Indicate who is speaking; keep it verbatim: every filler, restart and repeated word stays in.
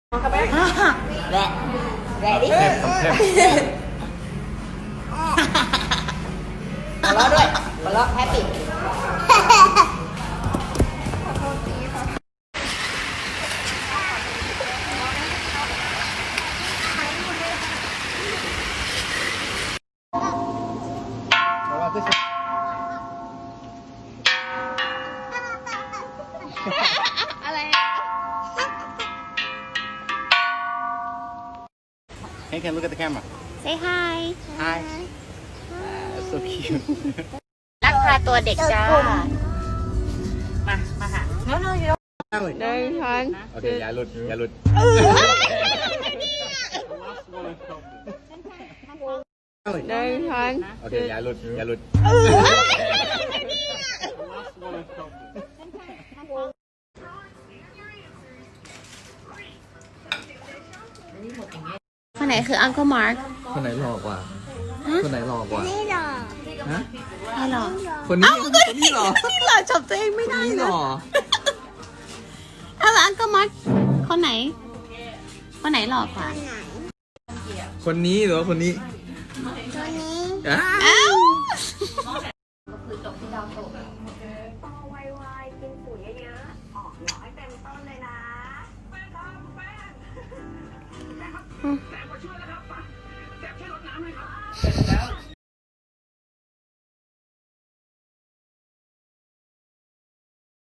Speaker 1: แหละแหละดิ
Speaker 2: แทบแทบ
Speaker 1: หัวเราะด้วยหัวเราะแฮปปี้อะไร
Speaker 2: Hey, can I look at the camera?
Speaker 1: Say hi
Speaker 2: Hi. So cute.
Speaker 1: ลักพาตัวเด็กจ้ามา มาหาเนาะเนาะ
Speaker 2: เดินทันโอเคอย่าหลุดอย่าหลุดเดินทันโอเคอย่าหลุดอย่าหลุด
Speaker 1: คนไหนคือ Uncle Mark
Speaker 3: คนไหนหลอกกว่า คนไหนหลอกกว่า
Speaker 4: ไม่หรอก
Speaker 3: ฮะ
Speaker 1: ไม่หรอก
Speaker 3: คนนี้คนนี้หรอ
Speaker 1: นี่หล่อจับตัวเองไม่
Speaker 3: คน
Speaker 1: ได้
Speaker 3: นี้หร
Speaker 1: นะ
Speaker 3: อ
Speaker 1: เอาละ Uncle Mark คนไหน คนไหนหล่อกว่า
Speaker 4: ไหน
Speaker 3: คนนี้หรือว่าคนนี้
Speaker 4: ตัวนี้
Speaker 3: อ่ะ
Speaker 1: อ้าว
Speaker 4: ไวๆกินปุ๋ยเยอะๆออกหน่อยเต็มต้นเลยนะ